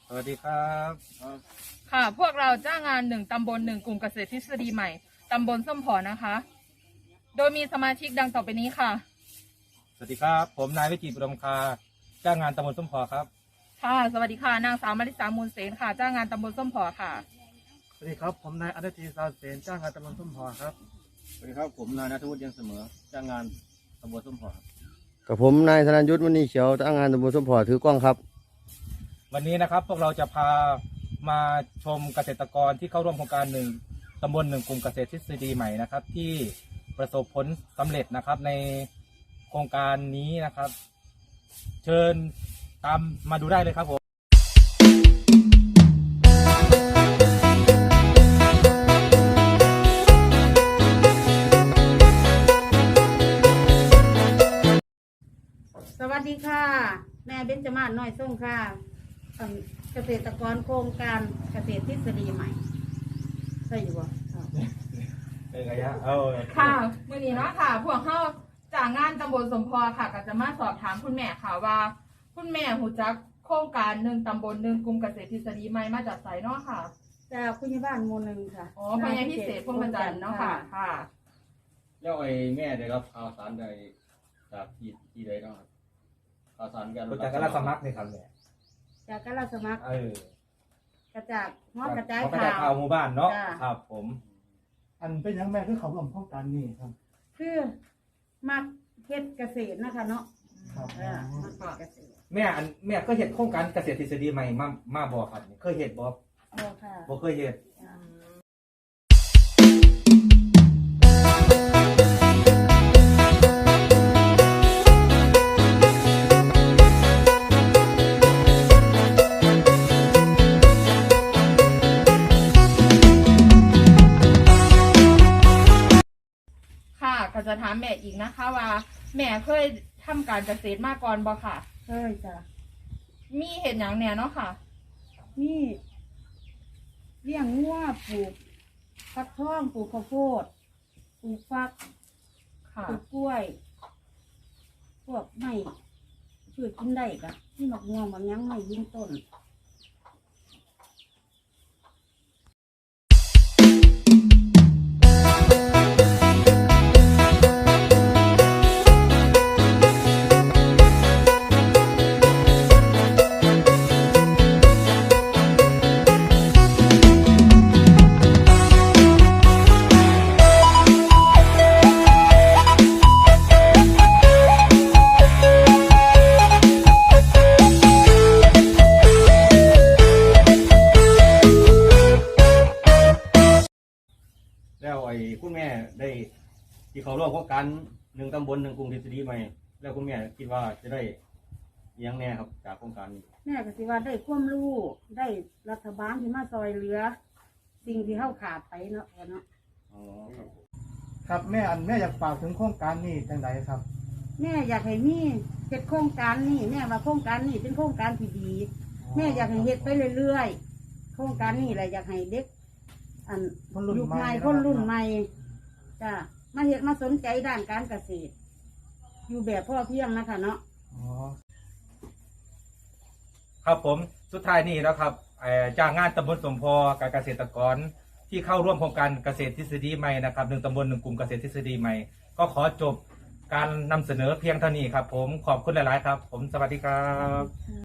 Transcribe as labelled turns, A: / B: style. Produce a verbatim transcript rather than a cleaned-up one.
A: สวัสดีครับ
B: ค่ะพวกเราจ้างงานหนึ่งตำบลหนึ่งกลุ่มเกษตรทฤษฎีใหม่ตำบลส้มผอนะคะ โดยมีสมาชิกดังต่อไปนี้ค่ะ
A: สวัสดีครับผมนายวิจิตรอุดมคาจ้างงานตำบลส้มพอครับ
B: ค่ะสวัสดีค่ะนางสาวมาริสามูลเสนค่ะจ้างงานตำบลส้มผอค่ะ
C: สวัสดีครับผมนายอนุทีสาวเสนจ้างงานตำบลส้มพอครับ
D: สวัสดีครับผมนายณัฐวุฒิยังเสมอจ้างงานตำบลส้มพอครับ
E: กับผมนายธนยุทธมณีเขียวจ้างงานตำบลส้มพอถือกล้องครับ
A: วันนี้นะครับพวกเราจะพามาชมเกษตรกรที่เข้าร่วมโครงการหนึ่งตำบลหนึ่งกลุ่มเกษตรทฤษฎีใหม่นะครับที่ประสบผลสำเร็จนะครับในโครงการนี้นะครับ เชิญตามมาดูได้เลยครับผม
F: สวัสดีค่ะแม่เบญจมาศน้อยส่งค่ะเกษตรกรโครงการเกษตรทฤษฎีใหม่ใช่อยู่บ่
A: เป็นไงฮะเออ
B: ค่ะมื่อนี้เนาะค่ะพวกเขาจากงานตำบลสมพรค่ะก็จะมาสอบถามคุณแม่ค่ะว่าคุณแม่หูจักโครงการหนึ่งตำบลหนึ่งกลุ่มเกษตรทฤษฎีใหม่มาจากไสเนาะค่ะ
F: จากคุณยายบ้านหมู่หนึ่งค่ะ
B: อ๋อพญาพิเศษพวงประจันทร์เนาะค่ะค่ะ
D: แล้วไอ้แม่ได้รับข่าวสารใดจากที่ที่ใดเนาะครับข่าวสารการ
A: รู้จักกันรับสมัครนี่ครับเนี่ย
F: จากการรับสมัคร
A: เออก
F: ระจากฮอดกระจาย
A: กระจายข่า
F: ข่าว ว
A: หมู่บ้านเนาะครับผม
C: อันเป็นยังแม่คือเขาร่วมโครงการนี้ครับ
F: คือมักเฮ็ดเกษตรนะคะเนาะ
C: ครับ
F: เออมักเฮ็ดเกษตร
A: แม่อันแม่เคยเห็นโครงการเกษตรทฤษฎีใหม่มามาบ่ครับเคยเห็นบ่
F: โอ้ค่ะ
A: บ่เคยเห็น
B: ค่ะก็จะถามแม่อีกนะคะว่าแม่เคยทำการเกษตรมาก่อนบ่ค่ะ
F: เคยจ้ะ
B: มีเห็นอย่างแน่เนาะค่ะ
F: มีเลี้ยงงัวปลูกฟักทองปลูกข้าวโพดปลูกฟัก
B: ค่ะ
F: ปลูกกล้วยพวกไม้พืชกินได้กะที่หมกม่วงบางยังไม่ยืนต้น
D: แล้วไอ้คุณแม่ได้ที่เขาร่วมโครงการหนึ่งตำบลหนึ่งกลุ่มทฤษฎีใหม่แล้วคุณแม่คิดว่าจะได้เลี้ยงแน่ครับจากโครงการนี้
F: แม่ก็สิว่าได้ความรู้ได้รัฐบาลที่มาซอยเหลือ สิ่งที่เข้าขาดไปเนาะเนาะ
D: อ๋อครับ
C: ครับแม่อันแม่อยากฝากถึงโครงการนี้จังไดครับ
F: แม่อยากให้มีเฮ็ดโครงการนี้แม่ว่าโครงการนี้เป็นโครงการที่ดีแม่อยากให้เฮ็ดไปเรื่อยๆโครงการนี้แหละอยากให้เด็กอันยุคใหม่คนรุ่นใหม่จ้ะมาเฮ็ดมาสนใจด้านการเกษตรอยู่แบบพ่อเพียงนะคะเนาะ
C: อ๋อ
A: ครับผมสุดท้ายนี้นะครับจ้างงานตำบลสมพอกับเกษตรกรที่เข้าร่วมโครงการเกษตรทฤษฎีใหม่นะครับหนึ่งตำบลหนึ่งกลุ่มเกษตรทฤษฎีใหม่ก็ขอจบการนำเสนอเพียงเท่านี้ครับผมขอบคุณหลายๆครับผมสวัสดีครับ